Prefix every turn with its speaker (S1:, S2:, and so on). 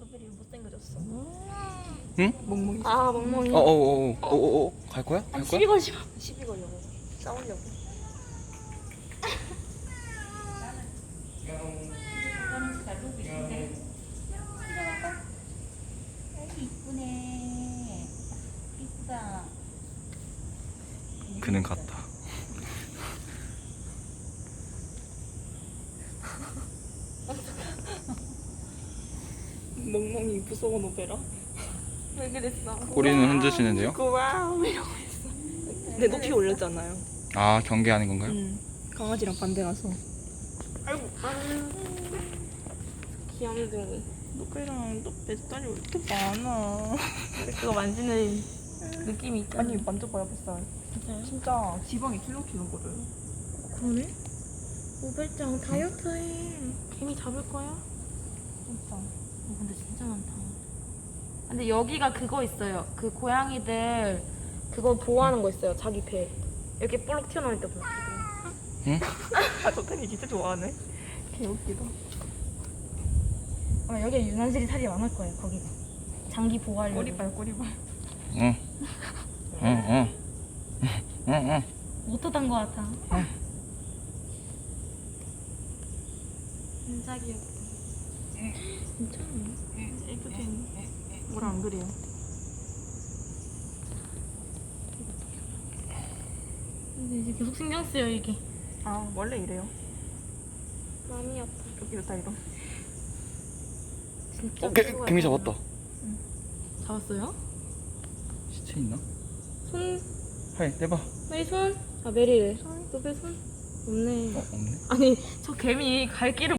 S1: 메리 못생겨졌어.
S2: 응?
S3: 멍멍이.
S1: 아 멍멍이.
S2: 갈 거야?
S1: 아니,
S2: 갈 거야?
S1: 시비 걸지 마. 시비 걸려고. 싸우려고.
S3: 이쁘네. 이쁘다.
S2: 그는 갔다.
S3: 멍멍이 무서워 노베라.
S1: 왜 그랬어?
S2: 꼬리는 흔드시는데요?
S1: 와우 이러고 있어.
S3: 내 높이 올렸잖아요.
S2: 아, 경계하는 건가요?
S3: 강아지랑 반대라서.
S1: 아이고 귀염둥이.
S3: 노베랑 너 뱃살이 왜 이렇게 많아?
S1: 근데 그거 만지는 느낌이 있잖아.
S3: 아니 만져봐요 뱃살.
S1: 진짜요?
S3: 진짜 지방이 킬로킬로거든.
S1: 그러네? 오벨짱 다이어트해. 개미 잡을 거야?
S3: 진짜.
S1: 근데 진짜 많다. 근데 여기가 그거 있어요. 그 고양이들 그거 보호하는 거 있어요. 자기 배 이렇게 볼록 튀어나올 때 보고.
S3: 아 저탱이 진짜 좋아하네. 개웃기다.
S1: 아마 여기에 유난스레 살이 많을 거예요. 거기가 장기 보호하려고.
S3: 꼬리발 꼬리발.
S2: 응.
S1: 못 뜯은 거 같아. 진짜 귀엽다. 진짜?
S3: 애교쟁이. 뭐라 안 그래요?
S1: 근데 이제 계속 신경 쓰여 이게.
S3: 아 원래 이래요.
S1: 마음이 아파.
S3: 이렇다 이러.
S1: 진짜.
S2: 개미 잡았다.
S1: 잡았어요?
S2: 시체 있나?
S1: 손.
S2: 하이, 내봐.
S1: 메리 손. 아 메리래. 손. 너배 손. 없네.
S2: 없네.
S1: 아니 저 개미 갈 길을